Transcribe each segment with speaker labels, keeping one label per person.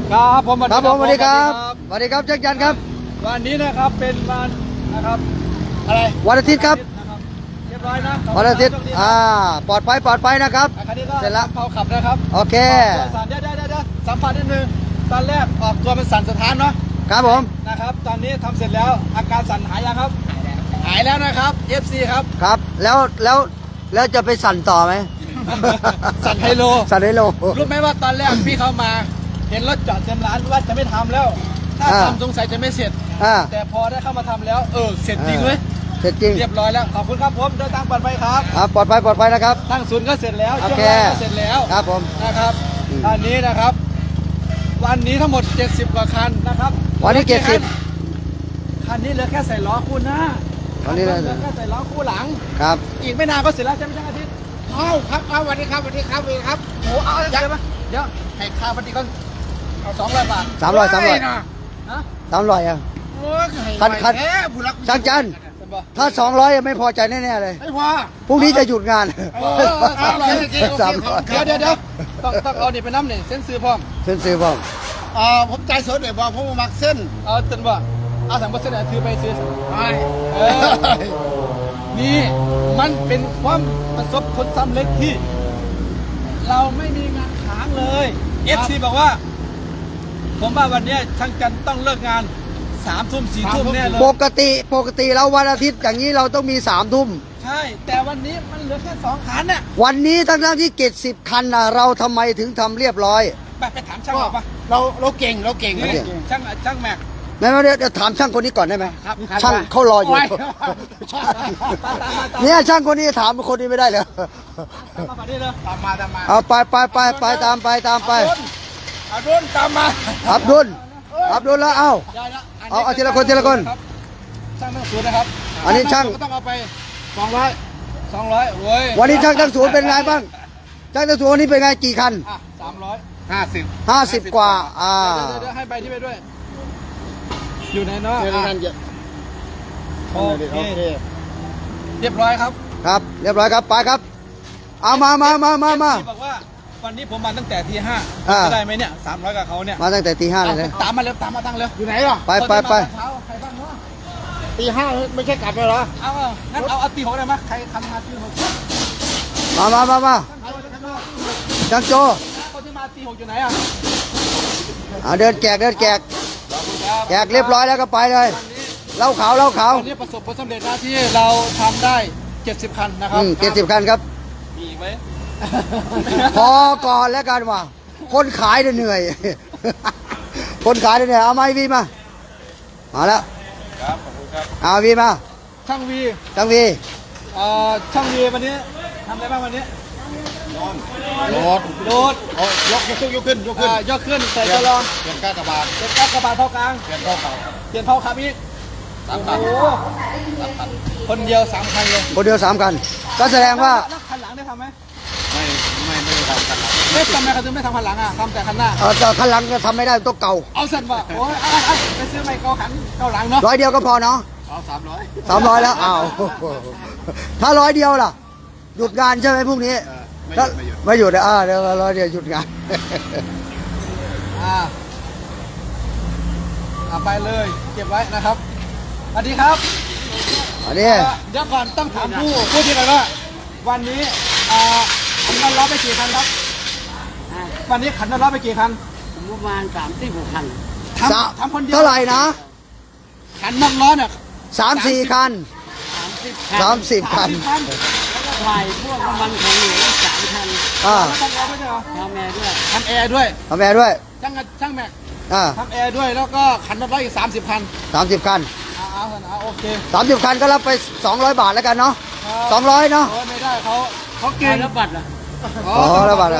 Speaker 1: ครับผม
Speaker 2: ครับผมสวัสดีครับสวัสดีครับแจ็คยันครับ
Speaker 1: วันนี้นะครับเป็นวันนะครับอะไร
Speaker 2: วันอาทิตย์ครับ
Speaker 1: เรียบร้อยนะ
Speaker 2: วันอาทิตย์ปลอดภัยนะครับ
Speaker 1: เสร็จแล้วเขาขับนะครับ
Speaker 2: โอเค
Speaker 1: สั่นเดี๋ยวสัมผัสนิดนึงตอนแรกออกตัวเป็นสั่นสถานเนาะ
Speaker 2: ครับผม
Speaker 1: นะครับตอนนี้ทำเสร็จแล้วอาการสั่นหายยังครับหายแล้วนะครับ FC ครับ
Speaker 2: ครับแล้วจะไปสั่นต่อไหม
Speaker 1: สั่นไฮโลรู้ไหมว่าตอนแรกพี่เขามาเห็นรถจอดเต็มร้านว่าจะไม่ทำแล้วถ้าทำสงสัยจะไม่เสร็จแต่พอได้เข้ามาทำแล้วเสร็จจริงเลย
Speaker 2: เสร็จจริง
Speaker 1: เรียบร้อยแล้วขอบคุณครับผมเดินทางปลอดภัยครับ
Speaker 2: ปลอดภัยนะครับ
Speaker 1: ตั้งศูนย์ก็เสร็จแล้วช่วงแรกก็เสร็จแล้ว
Speaker 2: ครับผม
Speaker 1: นะครับอันนี้นะครับวันนี้ทั้งหมด70กว่าคันนะครับ
Speaker 2: วันนี้
Speaker 1: คันนี้เหลือแค่ใส่ล้อคู่หน้า
Speaker 2: วันนี้เหลือ
Speaker 1: แค่ใส่ล้อคู่หลัง
Speaker 2: ครับ
Speaker 1: อีกไม่นานก็เสร็จแล้วใช่ไหมช่างอาทิตย์
Speaker 3: ครับวันนี้ครับ
Speaker 1: โอ้เอาเดี๋ยวให้ค่าปฏิก่อนเอา200 บาท
Speaker 2: 300
Speaker 1: ฮะ
Speaker 2: 300
Speaker 3: โอ้ย
Speaker 2: คันช่างจันถ้า200ไม่พอใจแน่ๆเลย
Speaker 3: ไม่พอ
Speaker 2: พรุ่งนี้จะหยุดงาน
Speaker 1: 300เดี๋ยวต้องเอานี่ไปน้ำนี่เส้นซื้อพร้อม
Speaker 3: ผมใจสดเลยบอกผมมักเส้น
Speaker 1: เอาจนว่าเอาถังเส้นถือไปซื้อนี่มันเป็นความประสบผลสำเร็จที่เราไม่มีงานค้างเลย FC บอกว่าผมว่าวันนี้ช่างจันต้องเลิกงาน3 ทุ่ม 4 ทุ่มแน่เลย
Speaker 2: ปกติแล้ววันอาทิตย์อย่างนี้เราต้องมี3 ทุ่ม
Speaker 1: ใช่แต่วันนี้มันเหลือแค่2 คันน่ะ
Speaker 2: วันนี้ทั้งที่70 คันเราทำไมถึงทำเรียบร้อย
Speaker 1: ไปถามช่างบอกปะ
Speaker 3: เราเก่ง
Speaker 1: ช่างแม็ก
Speaker 2: เดี๋ยวถามช่างคนนี้ก่อนได้ไหมช่างเขารออยู่เนี่ยช่างคนนี้ถามคนนี้ไม่ได้เลย
Speaker 3: ตามมา
Speaker 2: เอาไปตามไป
Speaker 3: อับดุลตามมา
Speaker 2: อับดุลแล้วเอาทีละคน
Speaker 1: ช่างตั้งศูนย์นะครับ
Speaker 2: อันนี้ช่าง
Speaker 1: ก็ต้องเอาไป200เว้ย
Speaker 2: วันนี้ช่างตั้งศูนย์เป็นไงบ้างช่างตั้งศูนย์วันนี้เป็นไงกี่คัน50กว่า
Speaker 1: เดี๋ยวให้ใบที่ไปด้วยอยู่ในนอกโอเคเรียบร้อยครับ
Speaker 2: เรียบร้อยครับไปครับเอามา
Speaker 1: บอกว่าวันนี้ผมมาตั้งแต่ตี 5จะได้ไหมเนี่ย300กับเขาเนี่ย
Speaker 2: มาตั้งแต่ตี 5เลย
Speaker 1: ตามมาตั้งเร็ว
Speaker 3: อยู่ไหนอ่ะ
Speaker 2: ไป
Speaker 1: ใครบ้างเนาะ
Speaker 3: ตี 5ไม่ใช่กลับเลยเหรอ
Speaker 1: งั้นเอาตี 6ได้ไหมใครทำงานตี 6
Speaker 2: มาช่างโจ
Speaker 1: คนที่มาตี 6อยู่ไหนอ่ะ
Speaker 2: เดินแจกเรียบร้อยแล้วก็ไปเลยเล่าขาว
Speaker 1: วันนี้ประสบผลสำเร็จนะที่เราทำได้70 คันนะครับ
Speaker 2: 70 คันครับ
Speaker 1: มีอีกไหม
Speaker 2: พอก่อนแล้วกันว่าคนขายเหนื่อยคนขายเหนื่อยเอาไม้วีมาแล้ว
Speaker 1: ครับขอบคุณครับ
Speaker 2: เอาวีมา
Speaker 1: ช่างวี
Speaker 2: ช่างวี
Speaker 1: วันนี้ทำอะไรบ้างวันนี้
Speaker 3: โหลดยกขึ้น
Speaker 1: ใส่ตัวรอง
Speaker 3: เปลี่ยนก้ากระบาด
Speaker 1: เท่ากลาง
Speaker 3: เปลี่ยนเท่าเก่า
Speaker 1: เปลี่ยนเท่าขับอีก3 คันคนเดียว3 คันเลย
Speaker 2: คนเดียว3 คันก็แสดงว่า
Speaker 1: คันหลังได้ทำไหม
Speaker 3: ไม่ได้ทำคันหลัง
Speaker 1: ไม่ทำไมเขาถึงไม่ทำคันหลังทำแต่คันหน้า
Speaker 2: คันหลังจะทำไม่ได้ต้องเก่า
Speaker 1: เอาเส้นว่ะโอ้ยไปซื้อใหม่เก่าหลังเนาะ
Speaker 2: 100 เดียวก็พอเนาะ
Speaker 3: เอา
Speaker 2: 300แล้วถ้า100 เดียวล่ะหยุดงานใช่ไหมพรุ่งนี้ไม่หยุดเดี๋ยว100 เดียวหยุดงาน
Speaker 1: ไปเลยเก็บไว้นะครับสวัสดีครับเดี๋ยวก่อนต้องถามผู้ที่ไหนว่าวันนี้ขันน้ำร้อนไปกี่คันครับวันนี้ขันน้ำร้อนไปกี่คัน
Speaker 3: ประมาณ36 คัน
Speaker 1: ทำคนเดียว
Speaker 2: เท่าไหร่นะ
Speaker 1: ขันน้ำร้อนเนี่ย
Speaker 2: 3-4 คัน30 คัน
Speaker 3: ไฟพวกน้ำมันของเหลว3 คัน
Speaker 1: ทำแอร์ด้วยเหรอ
Speaker 3: ทำแอร์ด้วย
Speaker 1: ช่างแม็กทำแอร์ด้วยแล้วก็ขันน้ำร้อนอีก30 คันโอเค
Speaker 2: 30 คันก็รับไป200 บาทแล้วกันเนาะ200เนาะ
Speaker 1: ไม่ได้เขาเก่ง
Speaker 3: แล้วบัตรอ่ะ
Speaker 2: แล้วบัตร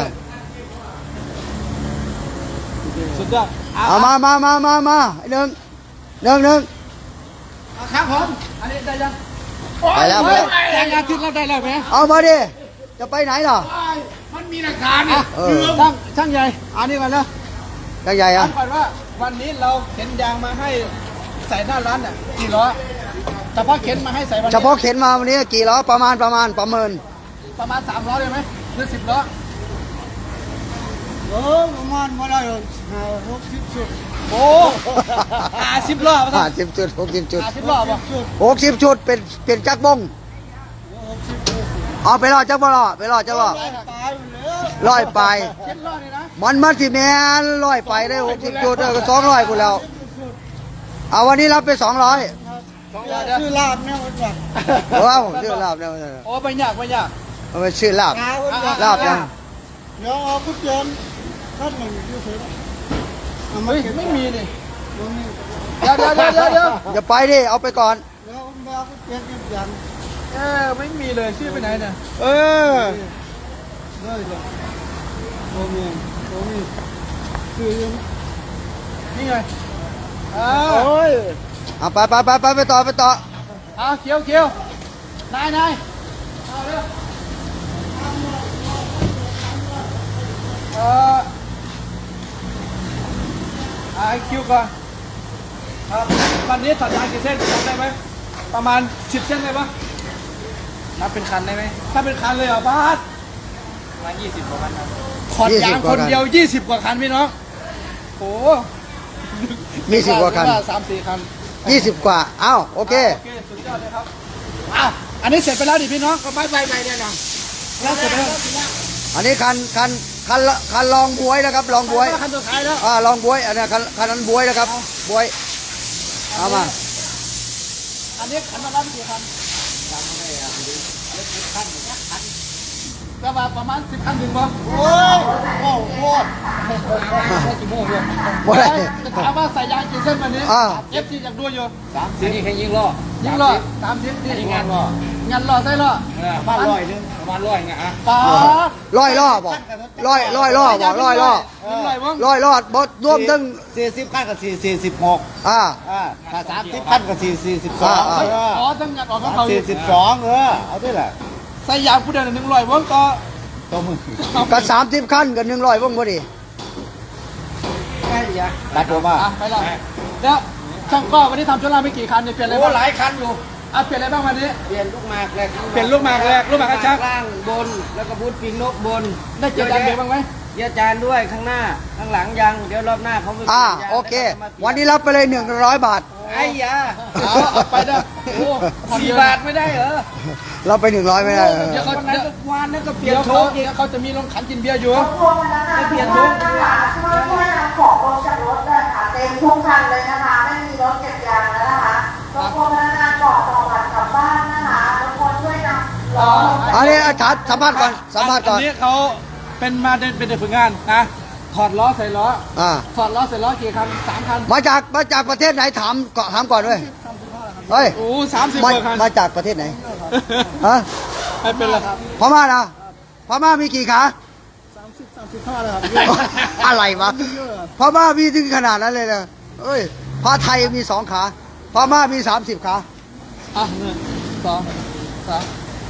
Speaker 1: สุดยอด
Speaker 2: มาหนึ่ง
Speaker 1: ครับผมอันนี้ได้ยัง
Speaker 2: ไปแล้ว
Speaker 1: แต่งานทิศเราได้แล้วไหม
Speaker 2: เอามาดิจะไปไหนล่ะ
Speaker 3: มันมีหลักฐานเนี่ย
Speaker 1: ช่างใหญ่อันนี้ก่อนแล้ว
Speaker 2: ช่างใหญ่
Speaker 1: ก่อนว่าวันนี้เราเข็นยางมาให้ใส่หน้าร้านกี่ล้อเฉพาะเข็นมาให้ใส่วันนี้
Speaker 2: เฉพาะเข็นมาวันนี้กี่ล้อประมาณประเมิน
Speaker 1: ประมาณ3 ล้อเลยไหมหรือ10 ล้อ
Speaker 3: ประมาณมาได้60 ชุด
Speaker 1: โอ้50 รอบ
Speaker 2: 50 จุด 60 จุด
Speaker 1: 50 รอบป่ะ
Speaker 2: 60 จุดเป็นจักรบงเอาไปรอจักรบ่รอไปรอจักรบ่
Speaker 3: ตายแล้ว
Speaker 2: ร้อยไป
Speaker 1: เจ็ดรอบเลยนะ
Speaker 2: มันสิแม่นร้อยไปได้60 จุดก็200กูแล้ว เอาวันนี้รับไป200
Speaker 3: ชื่อลาบเนี่ยมันแบบ
Speaker 2: ว้าวชื่อลาบเนี่ย
Speaker 1: โอ้ไม่ยากไม่ยาก
Speaker 2: เอาไปชื่อลาบ
Speaker 3: กาคนแบบ
Speaker 2: ลาบยัง
Speaker 3: เดี๋ยวเอากุญแจท่านหนึ่งอยู่เฉยเอามา
Speaker 1: เฮ้ย
Speaker 3: เก็บ
Speaker 1: ไม่มีนี่
Speaker 3: ตรงนี้
Speaker 1: เดี๋ยว
Speaker 2: อย่าไปดิเอาไปก่อน
Speaker 3: แล้วเอากุญแจเก็บยัน
Speaker 1: ไม่มีเลยชื่อไปไหนเนี่ย
Speaker 2: เออ
Speaker 3: ได้เลยตรงนี้คือ
Speaker 1: นี่ไง
Speaker 3: โอ้ย
Speaker 2: เอาไปต่อ
Speaker 1: เขียวนายเอาเร็วไอคิวก่อนครับวันนี้ถัดยางกี่เส้นจำได้ไหมประมาณ10 เส้นได้ปะนับเป็นคันได้ไหมถ้าเป็นคันเลยเหรอบาสประมาณ20 กว่าคันครับขอดยางคนเดียว20 กว่าคันพี่น้องโอ้
Speaker 2: 20 กว่าคัน
Speaker 1: 3-4 คัน
Speaker 2: 20 กว่าเอ้าโอเค
Speaker 1: โอเคสุดยอดเลยครับอ้าวอันนี้เสร็จไปแล้วดิพี่น้องก็ไปเนี่ยนะแล้วเสร็จไปแล้ว
Speaker 2: อันนี้คันลองบวยนะครับลองบวย
Speaker 1: คันสุดท้ายแล้ว
Speaker 2: ลองบวยอันนี้คันนั้นบวยนะครับบวยเอามา
Speaker 1: อันนี้คันละกี่คันก็ประมาณ10 คันถึงป่ะ
Speaker 3: โอ้ยโอ้โห
Speaker 1: กี่โมงอยู่
Speaker 2: บวย
Speaker 1: จะถามว่าใส่ยางกี่เส้นวันนี้ FC อยากดูอยู่
Speaker 4: 30นี่แค่ยิงล้อ
Speaker 1: ยิงล้อ30นี่
Speaker 4: นี่งานล้อง
Speaker 1: านล้อใส่ล้อ
Speaker 4: ประมาณ100นึงประมาณ100ไงอ่ะ
Speaker 1: ป๋า
Speaker 2: ร้อยล่อบอกร้อยล่อบอกร้อยล่อ
Speaker 1: ยิงลอยมั้ง
Speaker 2: ร้อยล่อบดรวมทั้ง
Speaker 3: 40 ขั้นกับ46
Speaker 2: อ่า
Speaker 3: ถ้า30 ขั้นกับ42
Speaker 1: ขอทั้งงานออกของเขา
Speaker 3: 42เอาด้วยแหละ
Speaker 2: Dạ.
Speaker 1: ใส่ยางผู้เดียว100มั้งก็
Speaker 3: ตัวมือ
Speaker 2: กับ30 ขั้นกับ100วงพอดี
Speaker 3: ตัดตัวมา
Speaker 1: ไปแล้วแล้วช่างก็วันนี้ทำชุดล่างไปกี่คันเนี่ยเปลี่ยนอะไร
Speaker 4: โอ้
Speaker 1: บ้าง
Speaker 4: หลายคันอยู่
Speaker 1: เปลี่ยนอะไรบ้างวันนี้
Speaker 4: เปลี่ยนลูกหมากแรก
Speaker 1: เปลี่ยนลูกหมากแรกลูกหมากกระชัก
Speaker 4: ล่างบนแล้วก็บูทปิงนกบน
Speaker 1: ได้เกียร์ยางเบรกบ้างไหม
Speaker 4: เกียร์จานด้วยข้างหน้าข้างหลังยังเดี๋ยวรอบหน้าเขาไปปลี่ยนยาง
Speaker 2: โอเค
Speaker 4: แล้วก็มาปลี่ย
Speaker 2: วันนี้รับไปเลย100 บาท
Speaker 4: ไอ้ยา
Speaker 1: เอาไปเด้อโอ้
Speaker 4: 4 บาทไม่ได้เหรอ
Speaker 2: เราไป100ไม่ได้
Speaker 1: เดี๋ยวเขา
Speaker 4: วันนั้นก็วานนั้นก็เปลี่ย
Speaker 1: เดี๋
Speaker 4: น
Speaker 1: ยว
Speaker 4: โช
Speaker 1: เขา
Speaker 4: คอีก
Speaker 1: เดี๋ยวเขาจะมีลงขันกินเบียร์อยู่
Speaker 5: พวงพนักงานทุกคนนะคะช่วยนำของลงจากรถเลยค่ะเต็มทุกคันเลยนะคะ ไม่มีรถเก็บยางแล้วนะคะรบกวนพนักงานก่อนต่อบัตรกลับบ้านนะคะรบกวนช่วยนำล้อ
Speaker 2: อันนี้สัมภาษณ์ก่อนสัมภาษณ์ก่อน
Speaker 1: อันนี้เขาเป็นมาเป็นเด็กฝึกงานนะถอดล้อใส่ล้อ
Speaker 2: อ่า
Speaker 1: ถอดล้อใส่ล้อกี่คัน3 คัน
Speaker 2: มาจากประเทศไหนถามก่อนด้วยเฮ้ย
Speaker 1: โอ้30 กว่าคัน
Speaker 2: มาจากประเทศไหนฮะ
Speaker 1: ไม่เป็นไรครับ
Speaker 2: พม่านะพม่ามีกี่ขา
Speaker 3: 35เลยครับ
Speaker 2: อะไรวะพม่ามีถึงขนาดนั้นเลยนะเอ้ยพระไทยมี2 ขาพม่ามี30 ขา
Speaker 1: 1 2 3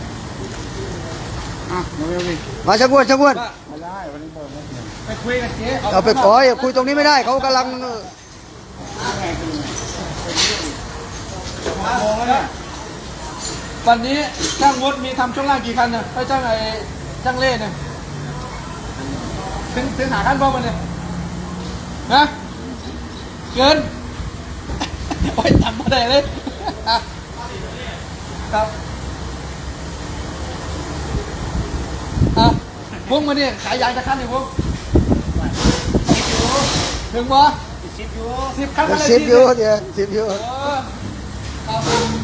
Speaker 2: มาชักวน
Speaker 3: ไม่ได้วันนี้เปิดไม่เปลี่ยน
Speaker 1: ไปคุยกับเจ๊
Speaker 2: เอาไปขออย่าคุยตรงนี้ไม่ได้เขากำลัง
Speaker 1: วันนี้ช่างมดมีทำช่วงล่างกี่คันเนี่ยไปช่างช่างเล่เนี่ยถึงหาคันบ้างมันเนี่ยนะเกิน โอ้ยทำมาได้เลยครับพวกมันเนี่ยขายยางจะคันเนี่ยพวกถึงบ่10 คันอะไร
Speaker 2: 10 อยู่เดี๋ยว10 อยู่
Speaker 1: ครับ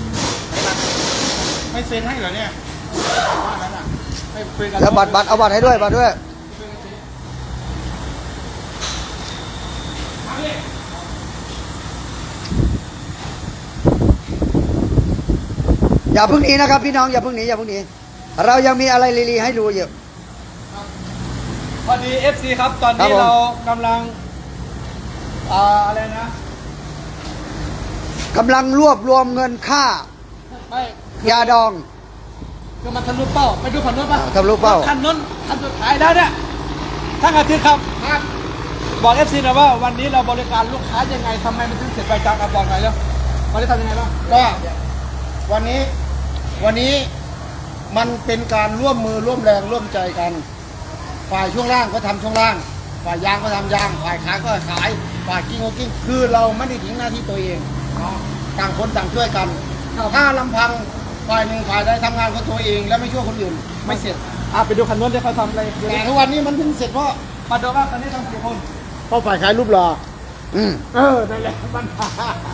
Speaker 3: ไม่เซ็นให้เหรอเนี่ย
Speaker 1: ไม่คุยกัน
Speaker 2: แล้วบัตรเอาบัตรให้ด้วยบัตรด้วยอย่าเพิ่งหนีนะครับพี่น้องอย่าเพิ่งหนีเรายังมีอะไรลีให้ดูอยู่
Speaker 1: พอดี FC ครับตอน
Speaker 2: ครั
Speaker 1: นี้
Speaker 2: บผม
Speaker 1: เรากำลังอะไรนะ
Speaker 2: กำลังรวบรวมเงินค่า
Speaker 1: ไม่
Speaker 2: ยาดอง
Speaker 1: คือมันทะลุเป้าไปดูฝั่งนู้นป่ะ
Speaker 2: ทะลุเป้า
Speaker 1: คันนู้นคันสุดท้ายแล้วเนี่ยทั้งอาทิตย์ครับบอก FC นะว่าวันนี้เราบริการลูกค้ายังไงทำไมมันถึงเสร็จไปจังบอกหน่อยแล้ววันนี้ทำยังไงบ้าง
Speaker 3: ก็วันนี้มันเป็นการร่วมมือร่วมแรงร่วมใจกัน ฝ่ายช่วงล่างก็ทำช่วงล่างฝ่ายยางก็ทำยางฝ่ายขายก็ขายฝ่ายกิ้งก็กิ้งคือเราไม่ได้ทิ้งหน้าที่ตัวเองเนาะต่างคนต่างช่วยกัน ถ้าลำพังฝ่ายหนึ่งฝ่ายใดทำงานของตัวเองแล้วไม่ช่วยคนอื่นไม่เสร็จ
Speaker 1: ไปดูคันนู้นที่เขาทำอะไรดู
Speaker 3: แต่
Speaker 1: ดิ
Speaker 3: ทุกวันนี้มันเพิ่งเสร็จเพราะ
Speaker 1: มาดูว่าคันนี้ทำกี่คน
Speaker 3: ฝ่ายขายรูปหล่อ
Speaker 2: อืม
Speaker 3: นั่นแหละมันผ่า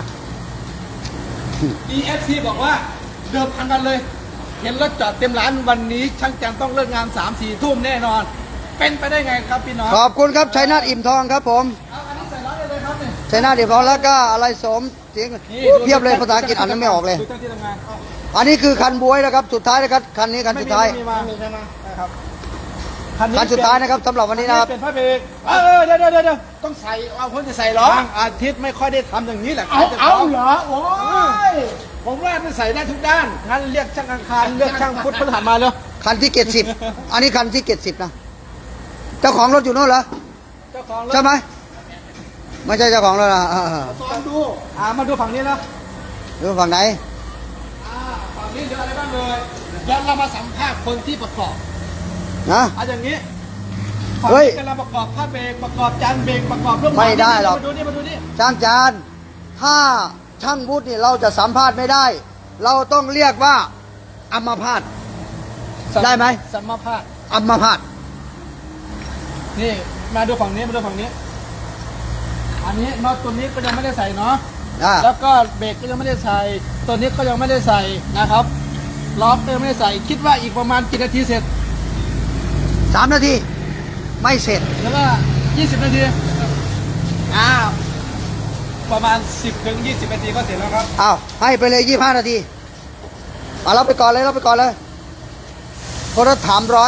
Speaker 1: EFC บอกว่าเดิมพันกันเลย เห็นรถจอดเต็มร้านวันนี้ช่างจันต้องเลิกงาน 3-4 ทุ่มแน่นอน เป็นไปได้ไงครับพี่น้อง
Speaker 2: ขอบคุณครับชัยนาทอิ่มทองครับผม
Speaker 1: เอาอันนี้ใส่ร้อยได้เลยครับเนี่ย
Speaker 2: ชัยนาทอิ่มทองแล้วก็อะไรสมเสียงเพียบเลยภาษาอังกฤษอ่านไม่ออกเลย
Speaker 1: ดูเจ้าที่ทำงาน
Speaker 2: อันนี้คือคันบวยนะครับสุดท้ายนะครับคันนี้คันสุดท้าย
Speaker 1: ไม่มีใช่ไหมครับ
Speaker 2: คันสุดท้ายนะครับสำหรับวันนี้นะครับ
Speaker 1: เป็นพระเบรกเดี๋ยว
Speaker 3: ต้องใส่เอาคนจะใส่ล้อบ
Speaker 1: างอาทิตย์ไม่ค่อยได้ทำอย่างนี้แหละ
Speaker 3: เอาเหรอโอ้ยผมว่ามันใส่ได้ทุกด้าน
Speaker 1: งั้นเรียกช่างอังคารเรียกช่างพุทธพฤหัสมาเลย
Speaker 2: คันที่70อันนี้คันที่70นะเจ้าของรถอยู่โน่นเหรอ
Speaker 1: เจ้าของรถ
Speaker 2: ใช่ไหมไม่ใช่เจ้าของรถนะ
Speaker 3: ซ้อมดู
Speaker 1: มาดูฝั่งนี้นะ
Speaker 2: ดูฝั่งไหน
Speaker 1: ฝั่งนี้เหลืออะไรบ้างเลยเดี๋ยวเรามาสัมภาษณ์คนที่ประกอบ
Speaker 2: นะ
Speaker 1: เอาอย่างนี้ฝั่ง
Speaker 2: เฮ้ย
Speaker 1: นี้กำลังประกอบผ้าเบรกประกอบจานเบรกประกอบเรื่อง
Speaker 2: ไม่ได้หรอก
Speaker 1: มาดูนี่
Speaker 2: ช่างจานถ้าช่างวุฒินี่เราจะสัมภาษณ์ไม่ได้ เราต้องเรียกว่าอัมพาต ได้ไหม
Speaker 1: สัมมาภาษณ์
Speaker 2: อัมพาต
Speaker 1: นี่มาดูฝั่งนี้มาดูฝั่งนี้ อันนี้น็อตตัวนี้ก็ยังไม่ได้ใส่เนาะ
Speaker 2: อ่า
Speaker 1: แล้วก็เบรกก็ยังไม่ได้ใส่ตัวนี้ก็ยังไม่ได้ใส่นะครับล้อก็ยังไม่ได้ใส่คิดว่าอีกประมาณกี่นาทีเสร็จ
Speaker 2: 3 นาทีไม่เสร็จ
Speaker 1: แล้วก็20 นาทีประมาณ 10-20 นาทีก็เสร็จแล้วครับ
Speaker 2: อ้าวให้ไปเลย25 นาทีเอาเราไปก่อนเลยเราไปก่อนเลยคนละ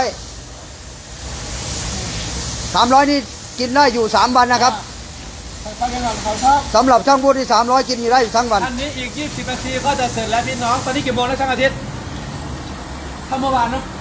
Speaker 2: 300นี่กินได้อยู่3 วันนะครับ
Speaker 1: ฟังกันก่อนเขาชอบ
Speaker 2: สำหรับช่างวุฒิที่300กินอยู่ได้อยู่ทั้งวัน
Speaker 1: อันนี้อีก20 นาทีก็จะเสร็จแล้วพี่น้องตอนนี้กี่โมงแล้วช่างอาทิตย์ถ้าเมื่อวานเนาะ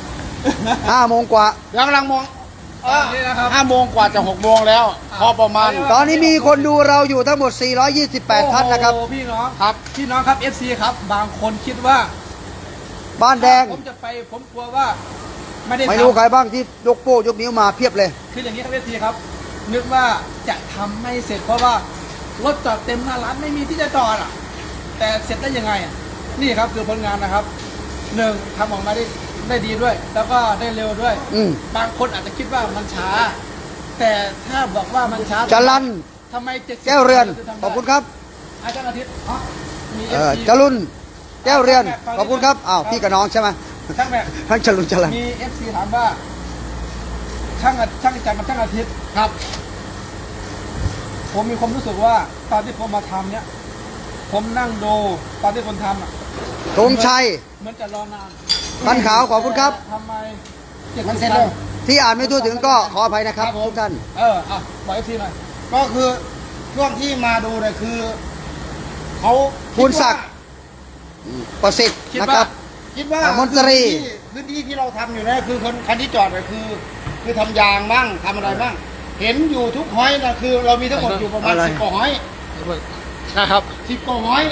Speaker 2: 5 โมงกว่า
Speaker 3: ยังกำลังมอง
Speaker 1: นี่นะครับ
Speaker 3: 5 โมงกว่าจะ 6 โมงแล้ว พอประมาณ
Speaker 2: ตอนนี้มีคนดูเราอยู่ทั้งหมด 428 ท่านนะครับ
Speaker 1: โอ้โหพี่น้อง
Speaker 3: ครับ
Speaker 1: พี่น้องครับ FC ครับบางคนคิดว่า
Speaker 2: บ้านแดง
Speaker 1: ผมจะไปผมกลัวว่าไม่ได้
Speaker 2: ไม่รู้
Speaker 1: ทำ
Speaker 2: ใครบ้างที่ยกโป้ยกนิ้วมาเพียบเลย
Speaker 1: คืออย่างนี้ครับ FC ครับ นึกว่าจะทำไม่เสร็จเพราะว่ารถจอดเต็มหน้าร้านไม่มีที่จะจอดอ่ะ แต่เสร็จได้ยังไงอ่ะนี่ครับคือผลงานนะครับหนึ่งทำออกมาได้ดีด้วย แล้วก็ได้เร็วด้วย
Speaker 2: อืม
Speaker 1: บางคนอาจจะคิดว่ามันช้า แต่ถ้าบอกว่ามันช้า
Speaker 2: จรัน
Speaker 1: ทำไม70
Speaker 2: แก้วเรือน ขอบคุณครับ
Speaker 1: อาจารย์อาทิตย์อ๋อมี
Speaker 2: เออ
Speaker 1: FC
Speaker 2: จรุนแก้วเรือน ขอบคุณครับ อ้าว พี่กับน้องใช่ไหม
Speaker 1: ช่างแม่
Speaker 2: ทั้งจรุนจรัน
Speaker 1: มี FC ถามว่า ช่างอาจารย์กับช่างอาทิตย์ครับ ผมมีความรู้สึกว่าตอนที่ผมมาทำเนี่ย ผมนั่งดูตอนที่คนทำอ่ะ
Speaker 2: ธงชัย
Speaker 1: เหมือนจะรอนาน
Speaker 2: พันขาวขอบคุณครับ
Speaker 1: ทำไม
Speaker 3: มันเสร็จแล้ว
Speaker 2: ที่อ่านไม่ทั่วถึงก็ขออภัยนะครับ
Speaker 3: ครับผม
Speaker 2: ทุกท่าน
Speaker 1: บอก FC หน่อย
Speaker 3: ก็คือช่วงที่มาดูเนี่ยคือเขา
Speaker 2: คุณศักดิ์ ประสิทธิ์
Speaker 1: คิด
Speaker 2: นะ
Speaker 1: ว่า
Speaker 2: ครับ
Speaker 3: คิดว่า
Speaker 2: มนตรี
Speaker 3: พื้นที่ที่เราทำอยู่เนี่ยคือคนคันที่จอดเนี่ยคือทำยางบ้างทำอะไรบ้าง เห็นอยู่ทุกห้อยนะคือเรามีทั้งหมดอยู่ประมาณ
Speaker 2: อะไร
Speaker 3: 10 กว่าห้อย
Speaker 1: นะครับ
Speaker 3: 10 กว่าห้อย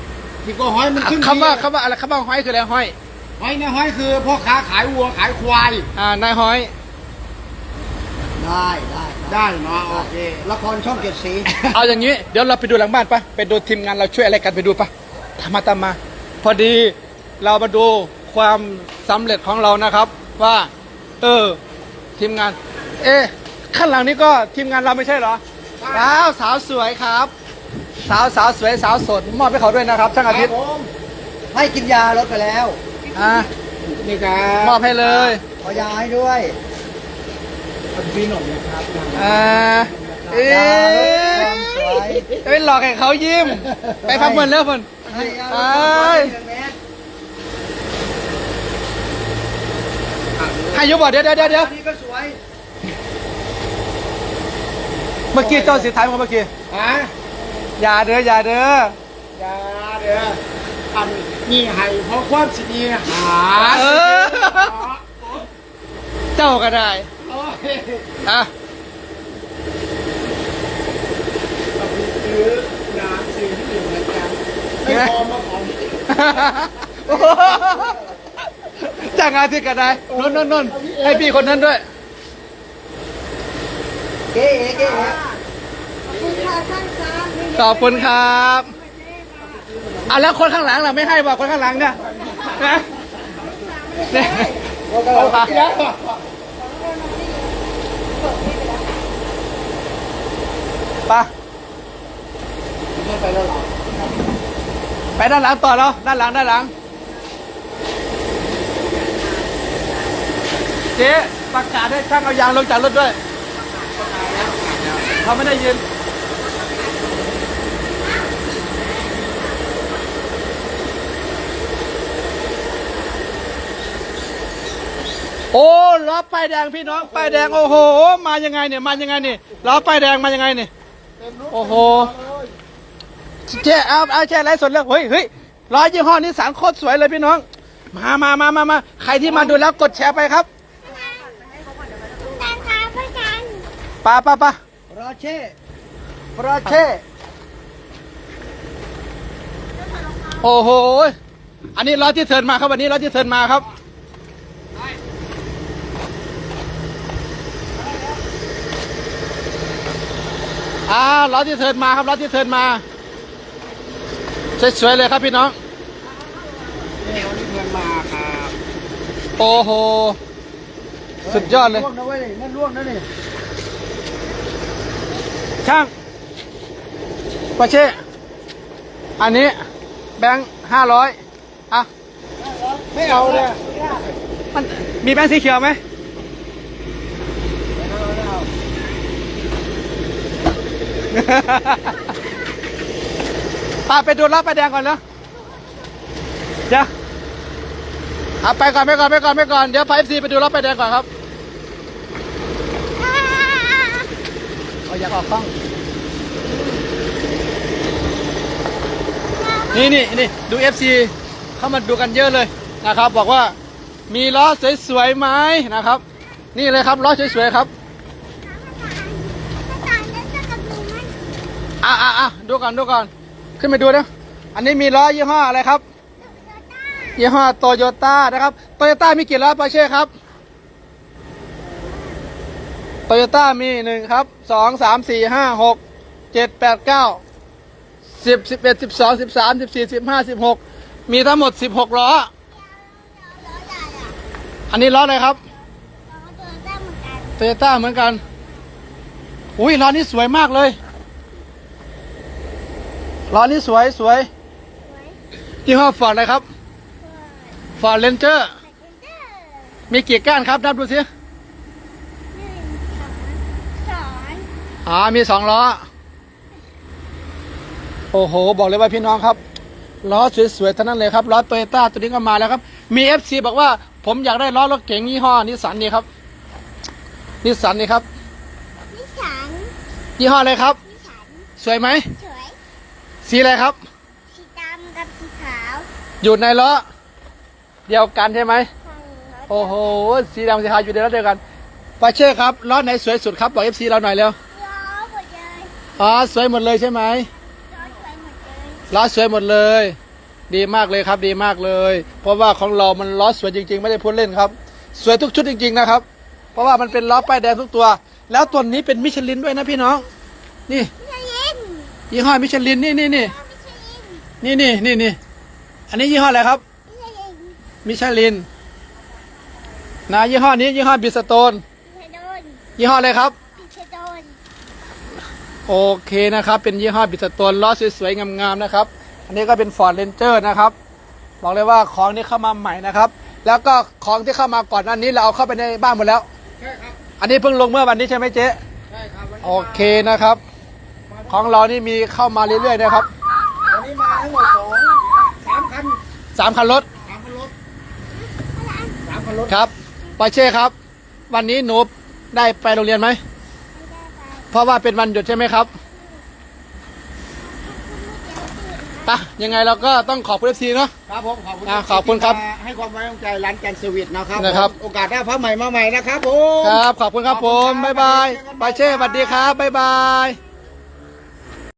Speaker 3: 10 กว่าห้อยมันขึ้น
Speaker 1: คำว่าอะไรคำว่าห้อยคืออะไรห้อย
Speaker 3: ห้อยเนี่ยห้อยคือพ่อค้าขายวัวขายควาย
Speaker 1: นายห้อย
Speaker 2: ได้ได้
Speaker 3: ได้เนาะโอเค
Speaker 2: ละครช่องเจ็ดสี
Speaker 1: เอาอย่างนี้เดี๋ยวเราไปดูหลังบ้านปะไปดูทีมงานเราช่วยอะไรกันไปดูปะตามมา พอดีเรามาดูความสำเร็จของเรานะครับ ว่า ทีมงาน ข้างหลังนี้ก็ทีมงานเราไม่ใช่เหรอสาวสวยครับ สาวสวยสาวสดมอบให้เขาด้วยนะครับช่างอาทิตย์
Speaker 2: ให้กินยาลดไปแล้ว
Speaker 3: นี่ครับ
Speaker 1: มอบให้เลย
Speaker 2: ขอยาให้ด้วย
Speaker 3: พี่หนุ่มนะครับ
Speaker 2: ยาลดความสวย
Speaker 1: ไปหลอกให้เขายิ้ม ไปพักเงินเลิกคน
Speaker 2: ให้ยาล
Speaker 1: ไป
Speaker 2: ดความสวย
Speaker 1: ให้ยุบบ่เดี๋ยว
Speaker 2: อันนี้ก็สวย
Speaker 1: เมื่อกี้เจ้าสีท้ายมาเมื่อกี้ อย่าเด้อ
Speaker 3: อย่าเด้ออันนี่ให้เพราะความสิดีหา
Speaker 1: เออ เจ้าก็ได้
Speaker 3: โอ้ย
Speaker 1: อ่ะ
Speaker 3: ซื้อน้ำซื้อที่อื่นนะจ๊ะไม่พอมาของ
Speaker 1: จ้างงานที่กันได้นนให้พี่คนนั้นด้วย
Speaker 3: เก๋เก๋
Speaker 1: ขอบคุณครับอ่ะแล้วคนข้างหลังล่ะไม่ให้บอกคนข้างหลังเนี่ยนะเนี่ยเอาไปไปด้านหลังต่อแล้วด้านหลังเจ๊ประกาศให้ช่างเอายางลงจากรถด้วยเขาไม่ได้ยินโอ้ล้อป้ายแดงพี่น้องป้ายแดงโอ้โหมายังไงเนี่ยล้อป้ายแดงมายังไงเนี่ยโอ้โหเจ๊เอาแช่ไรสดแล้วเฮ้ยล้อยี่ห้อนี้สันโคตรสวยเลยพี่น้องมาใครที่มาดูแล้วกดแชร์ไปครับปะ
Speaker 2: รอเช่
Speaker 1: โอ้โหอันนี้ล้อที่เทิร์นมาครับวันนี้ล้อที่เทิร์นมาครับล้อที่เทิร์นมาครับล้อที่เทิร์นมาสวยๆเลยครับพี่น้อง
Speaker 3: แนวนี้เพื่อนมาครับ
Speaker 1: โอ้โหสุดยอดเลย
Speaker 2: ล่วงนะเว้ยนั่นล่วงนะนี่
Speaker 1: ช่างปอเช่อันนี้แบงค์500อ่ะ
Speaker 3: ไม่เอาเลย
Speaker 1: มันมีแบงค์สีเขียวไหมไปดูรอบไปแดงก่อนเนาะเดี๋ยวเอาไปก่อนเดี๋ยวพา FC ไปดูรอบไปแดงก่อนครับเอาอยากออกกล้องนี่ดู FC เข้ามาดูกันเยอะเลยนะครับบอกว่ามีล้อสวยๆไหมนะครับนี่เลยครับล้อสวยๆครับดูก่อนขึ้นไปดูนะอันนี้มีล้อยี่ห้ออะไรครับยี่ห้อโตโยต้านะครับโตโยต้ามีกี่ล้อปอร์เช่ครับโตโยต้ามี1ครับ2 3 4 5 6 7 8 9 10 11 12 13 14 15 16มีทั้งหมด16ล้ออันนี้ล้ออะไรครับโตโยต้าเหมือนกันอุ้ยล้อนี้สวยมากเลยล้อนี้สวยยี่ห้อฟอร์ดอะไรครับฟอร์ดเรนเจอร์มีกี่ก้านครับนับดูสิมี2ล้อโอ้โหบอกเลยว่าพี่น้องครับล้อสวยๆทั้งนั้นเลยครับล้อโตโยต้าตัวนี้ก็มาแล้วครับมี FC บอกว่าผมอยากได้ล้อรถเก๋งยี่ห้อนิสสันนี่ครับนิสสันนี่ครับยี่ห้ออะไรครับสวยไหมสีอะไรครับ
Speaker 5: สีดำกับสีขาว
Speaker 1: อยู่ในล้อเดียวกันใช่ไหมโอ้โหสีดำสีขาวอยู่ในล้อเดียวกันปาเช่ครับล้อไหนสวยสุดครับบอก FC เราหน่อยเร็วสวยหมดเลยใช่ไหมล้อสวยหมดเลยดีมากเลยครับดีมากเลยเพราะว่าของเรามันล้อสวยจริงๆไม่ได้พูดเล่นครับสวยทุกชุดจริงๆนะครับเพราะว่ามันเป็นล้อป้ายแดงทุกตัวแล้วตัวนี้เป็นมิชลินด้วยนะพี่น้องนี่ยี่ห้อมิชลินนี่อันนี้ยี่ห้ออะไรครับมิชลินนะยี่ห้อนี้ยี่ห้อบิสโตนยี่ห้ออะไรครับโอเคนะครับเป็นยี่ห้อบิสโตนล้อสวยๆงามๆนะครับอันนี้ก็เป็น Ford Ranger นะครับบอกเลยว่าของนี้เข้ามาใหม่นะครับแล้วก็ของที่เข้ามาก่อนหน้านี้เราเอาเข้าไปในบ้านหมดแล้ว
Speaker 3: ใช่ครับ
Speaker 1: อันนี้เพิ่งลงเมื่อวันนี้ใช่ไหมเจ๊
Speaker 3: ใช่ครับ
Speaker 1: โอเคนะครับของเรานี่มีเข้ามาเรื่อยๆนะครับ
Speaker 3: วันนี้มาทั้งหมด3 คัน
Speaker 1: 3 คันรถครับปอร์เช่ครับวันนี้หนูได้ไปโรงเรียนไหมเพราะว่าเป็นวันหยุดใช่ไหมครับปะยังไงเราก็ต้องขอบคุณFCเนาะ
Speaker 3: ครับผมขอบคุณ
Speaker 1: ขอบคุณครับ
Speaker 3: ให้ความไว้วางใจร้านแกนเซอร์วิสนะครับ
Speaker 1: นะครับ
Speaker 3: โอกาสหน้าพระใหม่มาใหม่นะครับผม
Speaker 1: ครับขอบคุณครับผมบ๊ายบายปอร์เช่สวัสดีครับบ๊ายบาย